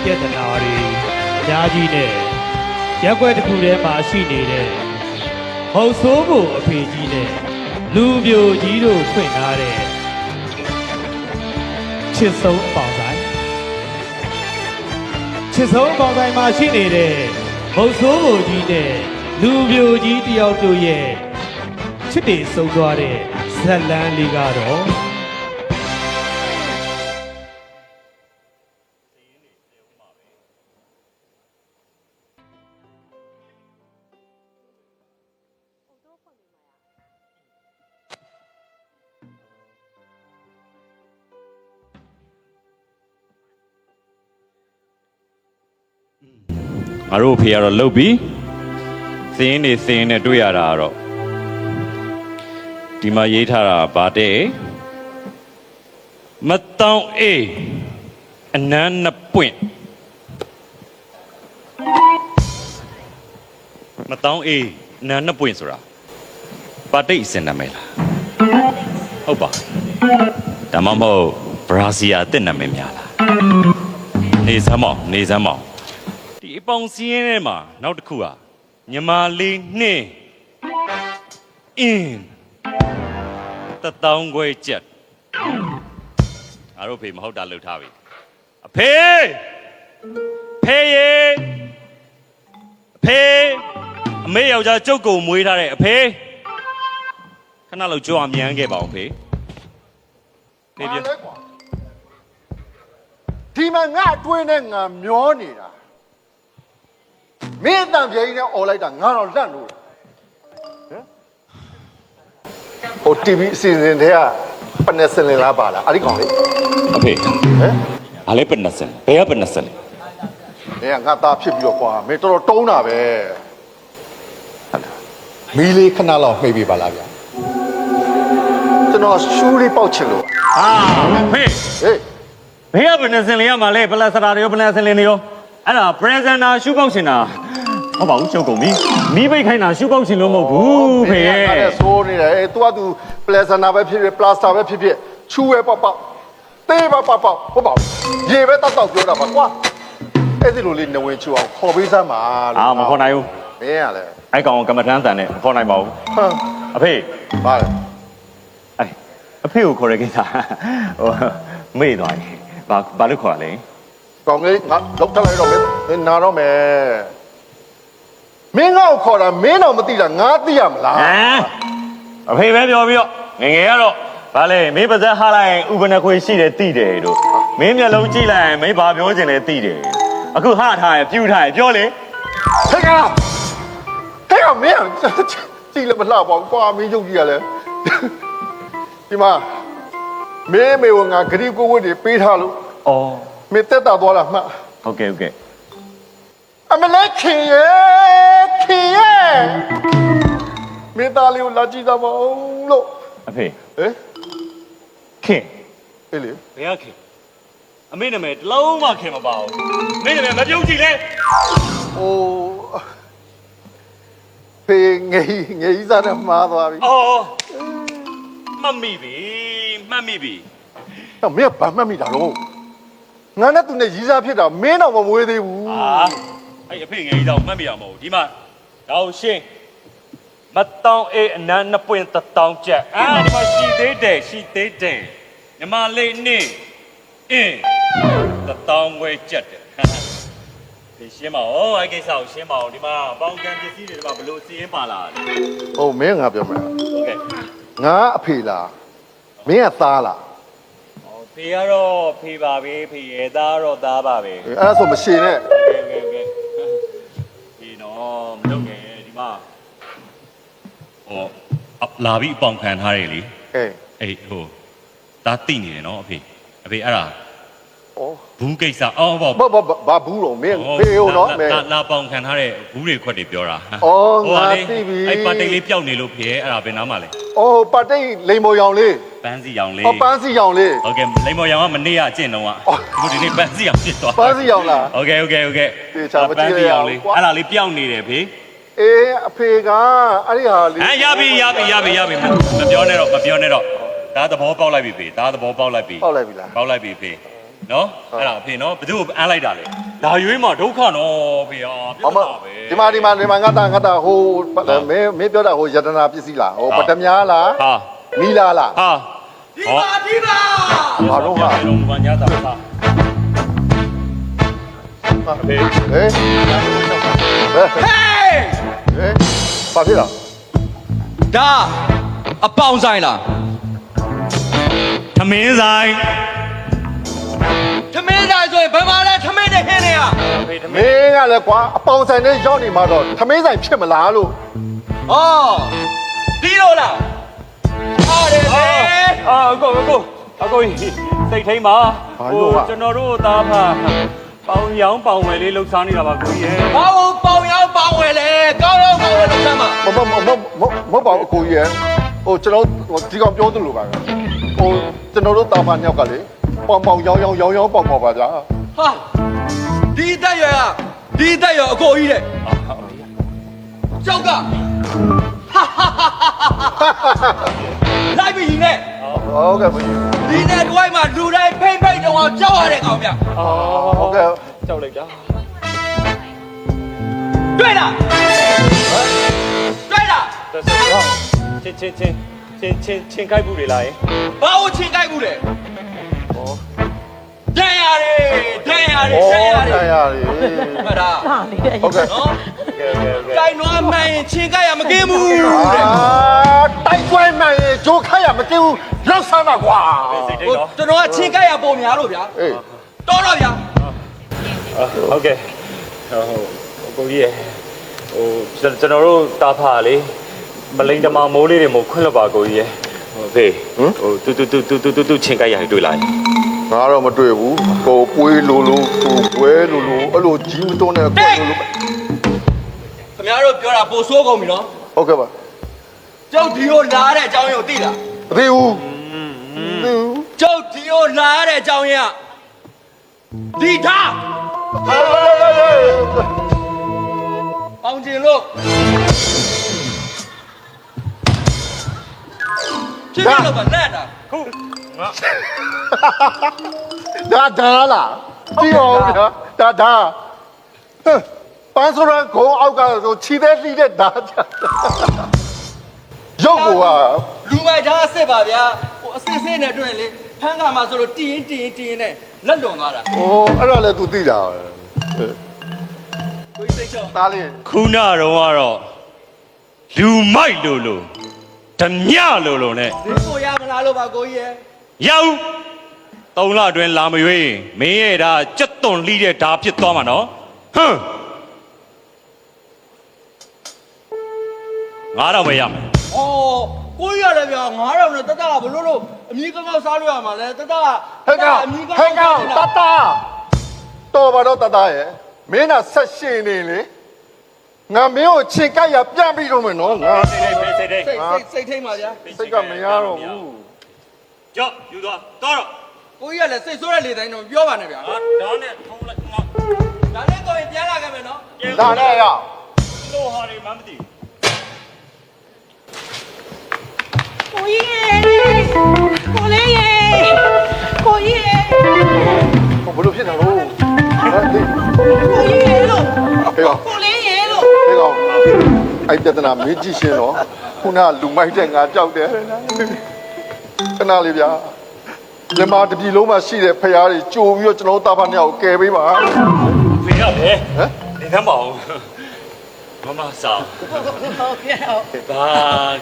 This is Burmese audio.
ပြဿနာတွေအများကြီးနဲ့ရက်ွက်တစ်ခုထဲမှာရှိနေတဲ့မဟုတ်ဆိုးဖို့အဖေကြီးနဲ့လူပြိုကြီးတို့ဖွင့်ထားတဲ့ချစ်ဆုံးအပေါင်းဆိုင်ချစ်ဆုံးအပေါင်းဆိုင်မှာရှိနေတဲ့မဟုတ်ဆိုးဖို့ကြီးနဲ့လူပြိုကြီးတယောက်တို့ရဲ့ချစ်တွေဆုံးသွားတဲ့ဇက်လန်းလေးကတော့ငါတို့ဖေကတော့လှုပ်ပြီးစင်းနေစင်းနဲ့တွေ့ရတာတော့ဒီမှာရေးထားတာဗာတဲ့မတောင်းအေးအနမ်းနှစ်ပွင့်မတောင်းအေးအနမ်းနှစ်ပွင့်ဆိုတာပါတိတ်အစင်နာမည်လားဟုတ်ပါဒါမှမဟုတ်ဘရာဇီယာတစ်နာမည်များလားနေစမ်းမောင်နေစမ်းမောင်ဒီအပေါင်းစည်းရင်းထဲမှာနောက်တစ်ခုဟာညီမလေးနှင်းအင်းတတောင်းခွဲချက်အားတို့ဖေမဟုတ်တာလှုပ်ထားပြီအဖေဖေရေအဖေအမေယောက်ျားကျုပ်ကိုမွေးထားတဲ့အဖေခဏလောက်ကြွားမြန်းခဲ့ပါအောင်ဖေဖေပြဒီမှာငါအတွင်းနဲ့ငါမျောနေတာမင်းအတန်ပြေကြီးနဲ့អော်လိုက်တာငါတော့လန့်လို့ဟို TV အစီအစဉ်တွေကပနက်စလင်လားပါလားအဲ့ဒီကောင်လေအဖေဟမ်အားလေးပနက်စင်ဘယ်ကပနက်စင်လဲငါသားဖြစ်ပြီးတော့ကွာမင်းတော်တော်တုံးတာပဲမီးလေးခဏလောက်မှိတ်ပြပါလားဗျာကျွန်တော်ရှူးလေးပေါက်ချင်လို့ဖေဟေးဘယ်ကပနက်စင်လေးရမှာလဲပလက်စတာတွေရောပနက်စင်လေးတွေရောအဲ့ဒါ presenter ရှူပေါက်ချင်တာဟုတ်ပါဘူးချုပ်ကုန်ပြီမီးပိတ်ခိုင်းတာရှူပေါက်ချင်လို့မဟုတ်ဘူးဖေရဲ့အဲ့ဒါဆိုးနေတယ်သူကသူပလက်စနာပဲဖြစ်ဖြစ်ပလတ်စတာပဲဖြစ်ဖြစ်ချူပဲပေါက်ပေါက်သေးပဲပေါက်ပေါက်ဟုတ်ပါဘူးရေပဲတောက်တောက်ပြောတာပါကွာအဲ့ဒီလိုလေးနဝင်ချူအောင်ခေါ်ပေးစမ်းပါလို့မခေါ်နိုင်ဘူးမင်းရလဲအဲ့ကောင်ကမ္မထမ်းတန်နဲ့မခေါ်နိုင်ပါဘူးဟမ်အဖေပါလေအဲ့အဖေကိုခေါ်ရကိစ္စဟိုမေ့သွားတယ်ဘာလို့ခေါ်ရလဲကောင်လေးငါလောက်ထလိုက်တော့မင်းနာတော့မယ်မင်းငါ့ကိုခေါ်တာမင်းတော့မသိတာငါသိရမလားအဖေပဲပြောပြီးတော့ငငယ်ကတော့ဗာလေမင်းပါဇက်ဟားလိုက်ရင်ဥပနခွေရှိတယ်တိတယ်တို့မင်းမျက်လုံးကြည့်လိုက်ရင်မင်းဘာပြောချင်လဲတိတယ်အခုဟာထားရင်ပြူထားရင်ပြောလေဟဲ့ကောင်မင်းကြည့်လည်းမလှပါဘူးကွာမင်းရုပ်ကြီးရလဲဒီမှာမင်းမေကငါဂရီကိုဝတ်တွေပေးထားလို့ဩမင်းတက်တာသွားလားမှတ်ဟုတ်ကဲ့အမလေးခင်ရဲ့မင်းသားလေးကိုလာကြည့်သမောင်းလို့အဖေဟဲ့ခင်အေးလေဘယ်ကခင်အမေနာမည်တလုံးမှခင်မပါဘူးမင်းနာမည်မပြုံးကြည့်လဲဟိုဖေငယ်စားနဲ့မှားသွားပြီဩမှတ်မိပြီတော့မင်းကဘာမှတ်မိတာတော့ငါနဲ့သူနဲ့ရီးစားဖြစ်တာမင်းတော့မမွေးသေးဘူးအဲ့အဖေငယ်ကြီးတော့မှတ်မိရမဟုတ်ဒီမှာတော့ရှင်းမတောင်းအေးအနမ်းနှစ်ပွင့်တောင်းချက်ဒီမှာရှိသေးတယ်ညီမလေးနေအင်းတောင်းဝဲချက်တယ်ဒီရှင်းပါဦးအဲ့ကိစ္စကိုရှင်းပါဦးဒီမှာပေါင်းကံပစ္စည်းတွေဒီမှာဘလို့စီးရင်ပါလာတယ်ဟုတ်မင်းငါပြောမှာဟုတ်ကဲ့ငါအဖေလားမင်းကသားလားဖေကတော့ဖေပါပဲဖေရဲ့သားတော့သားပါပဲအဲ့ဒါဆိုမရှည်နဲ့ဒီတော့မလုပ်ငယ်ဒီမှာလာပြီးအပေါင်ခံထားတယ်လေအေးဟိုဒါတိနေတယ်နော်အဖေအဲ့ဒါဘူးကိစ္စဘာဘူးတော့မင်းဖေဟိုနော်မင်းလာပေါင်ခံထားတဲ့ဘူးတွေခွက်တွေပြောတာငါသိပြီအဲ့ပါတိတ်လေးပျောက်နေလို့ဖေအဲ့ဒါဘယ်နားမှာလဲပါတိတ်လိန်မော်ရောင်လေးပန်းစီရောင်လေးပန်းစီရောင်လေးဟုတ်ကဲ့လိန်မော်ရောင်ကမနေ့ကအကျင့်တော့အခုဒီနေ့ပန်းစီရောင်ဖြစ်သွားပန်းစီရောင်လားဟုတ်ကဲ့တေချာမကြည့်ရအောင်အဲ့ဒါလေးပျောက်နေတယ်ဖေအေးအဖေကအဲ့ဒီဟာလေးရပြီမပြောနဲ့တော့ဒါသဘောပေါက်လိုက်ပြီဖေဒါသဘောပေါက်လိုက်ပြီပေါက်လိုက်ပြီလားပေါက်လိုက်ပြီဖေနော်အဲ့ဒါဖေနော်ဘယ်သူ့ကိုအမ်းလိုက်တာလဲဒါရွေးမှာဒုက္ခနော်ဖေဟာပြအတ်မတာပဲဒီမှာငါတာဟိုမင်းပြောတာဟိုယတနာပစ္စည်းလားဟိုပတမများလားဟာမီလာလားဟာဒီပါဘာလို့ဟာလုံးဘာညာတာဟာဖေဟေးဟေးဟေးဘာဖြစ်လားဒါအပေါင်ဆိုင်လားသမင်းဆိုင်ထမင်းဆိုင်ဆိုရင်ဘယ်မှာလဲထမင်းနဲ့ဟင်းနေရဖေသမမင်းင်းကလည်းကွာအပေါင်ဆိုင်နဲ့ရောက်နေမှာတော့သမင်းဆိုင်ဖြစ်မလားလို့ဩဒီလိုလားအားတယ်လေအာအကိုကြီးစိတ်ထိန်ပါကျွန်တော်တို့သားဖပေါင်ရောင်းပေါင်ဝယ်လေးလှုပ်ရှားနေတာပါကိုကြီးရဲ့ဘာလို့ပေါင်ရောက်ပေါင်ဝဲလဲကောင်းရောက်ကောင်းဝဲလို့ဆမ်းမမဟုတ်ပါဘူးအကိုကြီးရဲ့ဟိုကျွန်တော်ဒီကောင်ပြောသလိုပါပဲဟိုကျွန်တော်တို့တာမညောက်ကလေပေါင်ရောင်းပေါင်ပါဗျာဟာဒီတက်ရွယ်ကဒီတက်ရွယ်အကိုကြီးတဲ့ကျောက်ကလိုက်ပြီနဲ့ဟုတ်ကဲ့ဒီနဲ့တွိုင်းမှာလူတိုင်းဖိမ့်ဖိမ့်တော့အောင်ကြောက်ရတဲ့ကောင်ဗျဟုတ်ကဲ့ကြောက်လိုက်တာတွေ့လားတွေ့လားချင်းခိုက်ဘူးလေလားဘာလို့ချင်းကြိုက်ဘူးလဲဒဏ်ရတယ်ဒဏ်ရတယ်ဩဒဏ်ရတယ်ဆိုင်ရတယ်မှတ်လားဟုတ်ကဲ့နော်ကဲကြိုင်နွားမှန်ရင်ချင်းကြိုက်ရမကင်းဘူးအာတိုက်ပွဲမှန်ရင်ဂျိုးခိုက်ရမกินဘူးလောက်ဆန်းပါကွာစိတ်ထိန်ဟိုတော့ကျွန်တော်ကချင်းကြိုက်ရပုံများလို့ဗျာအေးတော်တော့ဗျာဟုတ်ကဲ့ဟိုကိုကြီးရဲ့ဟိုကျွန်တော်တို့တာဖာလေမလိန်တမမိုးလေးတွေမို့ခွင့်လွတ်ပါကိုကြီးရဲ့ဟိုဖေဟိုတူချင်းကိုက်ရတွေ့လာရင်ငါတော့မတွေ့ဘူးကိုပွေးလိုလိုကိုပွဲလိုလိုအဲ့လိုကြီးမတွန်းတဲ့ကိုလိုလိုခင်ဗျားတို့ပြောတာပိုဆိုးကုန်ပြီနော်ဟုတ်ကဲ့ပါကျုပ်ဒီကိုလာတဲ့အကြောင်းရင်းကိုသိလားမသိဘူးသိဘူးကျုပ်ဒီကိုလာတဲ့အကြောင်းရင်းကဒီထား ပေါင်ကျင်လို့ဖြစ်ရလို့ပါလက်တာခုငါဒါလားကြည့်အောင်ဗျာဒါပန်းစရကိုအောက်ကဆိုခြိသေးလှိတဲ့ဒါရုပ်ကလူမိုက်သားအစ်စ်ပါဗျာဟိုအစ်စ်နဲ့တွေ့ရင်လေဖမ်းကမှာဆိုလို့တီးရင်နဲ့လက်လွန်သွားတာဟိုအဲ့ဒါလည်း तू သိတာကိုကြီးစိတ်ချောသားလေးခုနတော့ကတော့လူမိုက်လို့ဓမြလို့ ਨੇ ဒီကိုရမလားလို့ပါကိုကြီးရဲ့ရောက်3လအတွင်းလာမရွေးမင်းရဲ့ဒါကြက်သွန်လှီးတဲ့ဓာဖြစ်သွားမှာနော်ဟမ်ငါတော့မရမယ်ဩကိုကြီးရတယ်ဗျာ9000နဲ့တတကဘလို့အမီးကောင်းစားလို့ရမှာလဲတတကဟဲ့ကောင်ဟဲ့ကောင်တတတော်ပါတော့တတရဲ့မင်းကဆက်ရှင်နေလေငါမင်းကိုခြေကပ်ရပြန်ပြီးတော့မယ်နော်ငါစိတ်ထိတ်စိတ်ထိတ်ပါဗျာစိတ်ကမရတော့ဘူးကြောက်ယူသွားတော့ကိုကြီးကလည်းစိတ်ဆိုးတဲ့လေတိုင်းတော့ပြောပါနဲ့ဗျာငါဒါနဲ့ထုံးလိုက်ငါဒါနဲ့ကိုရင်ပြန်လာခဲ့မယ်နော်ဒါနဲ့ရလို့ဟာတွေမှမသိကိုကြီးရေကိုလေးရေကိုကြီးရေဟိုဘလို့ဖြစ်နေလို့ဟဲ့ဒီကိုကြီးရေလို့ဟဲ့ကောင်ကိုလေးရေလို့ဟဲ့ကောင်အဲ့ပြဿနာမေးကြည့်ရှင်းတော့ခုနလူမိုက်တဲ့ငါကြောက်တယ်ခဏလေးဗျာဒီမှာတပြီလုံးမှာရှိတဲ့ဖရားတွေကြိုပြီးတော့ကျွန်တော်တာဖာနှစ်ယောက်ကယ်ပေးပါဖေရတယ်ဟမ်ဒီကမ်းပါဦးမမဆောင်ဟုတ်ကဲ့ဟုတ်ဘာ